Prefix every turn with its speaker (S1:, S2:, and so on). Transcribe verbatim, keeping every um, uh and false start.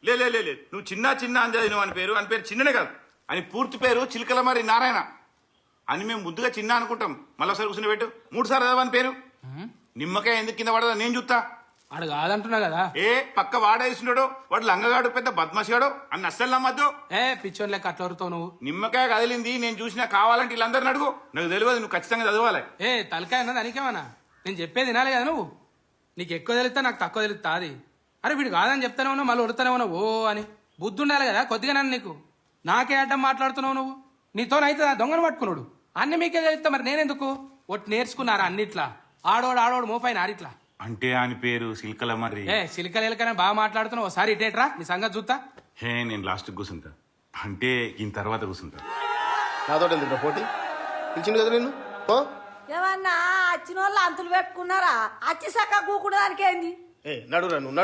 S1: లే లే లే లే. నువ్వు చిన్న చిన్న అని చదివినావు అని పేరు అని పేరు చిన్ననే కాదు అని పూర్తి పేరు చిలకల మరి నారాయణ అని మేము ముద్దుగా చిన్న అనుకుంటాం. మళ్ళీ ఒకసారి కూర్చుని పెట్టు మూడు సార్లు చదవని పేరు. నిమ్మకాయ ఎందుకు కింద పడదా నేను చూస్తా.
S2: వాడు కాదంటున్నా కదా.
S1: ఏ పక్క వాడేసినాడో వాడు లంగగాడు పెద్ద బద్మాషిగాడు అని అస్సలు నమ్మద్దు.
S2: ఏ పిచ్చోన్ లెక్క అట్లా వరుతావు నువ్వు.
S1: నిమ్మకాయ కదిలింది నేను చూసినా కావాలంటే వీళ్ళందరిని అడుగు. నాకు తెలియదు నువ్వు ఖచ్చితంగా చదవాలి.
S2: ఏ తలకాయ అన్నది అనికేమన్నా నేను చెప్పేది వినాలి కదా నువ్వు. నీకు ఎక్కువ తెలుస్తా నాకు తక్కువ తెలుస్తా అది. అరే వీడు కాదని చెప్తానే ఉన్నావు మళ్ళీ ఉడతానే ఉన్నావు ఓ అని. బుద్ధి ఉండాలి కదా కొద్దిగా నన్ను నీకు. నాకే అడ్డం మాట్లాడుతున్నావు నువ్వు. నీతోనైతే దొంగను పట్టుకున్నాడు అన్ని మీకే తెలుస్తా మరి నేనెందుకు. ఒట్టి నేర్చుకున్నారా అన్నిట్లా. ఆడోడు ఆడోడు మోపైన ఆడిట్లా
S1: అంటే అని పేరు సిల్కల మర్రి.
S2: ఏ సిలికలు ఎలకనే బాగా మాట్లాడుతున్నావు. ఒకసారి ఇటేట్రా నీ సంగతి చూస్తా.
S1: హే నేను లాస్ట్ కూర్చుంటా అంటే ఈయన తర్వాత కూర్చుంటా.
S3: నాతో ఎందుకు పోటీ పిలిచిండు కదా నిన్ను.
S4: ఏమన్నా వచ్చిన వాళ్ళు అంతులు పెట్టుకున్నారా? అచ్చి సక్క కూకుడు దానికి ఏంది?
S3: ఏ నడురా నువ్వు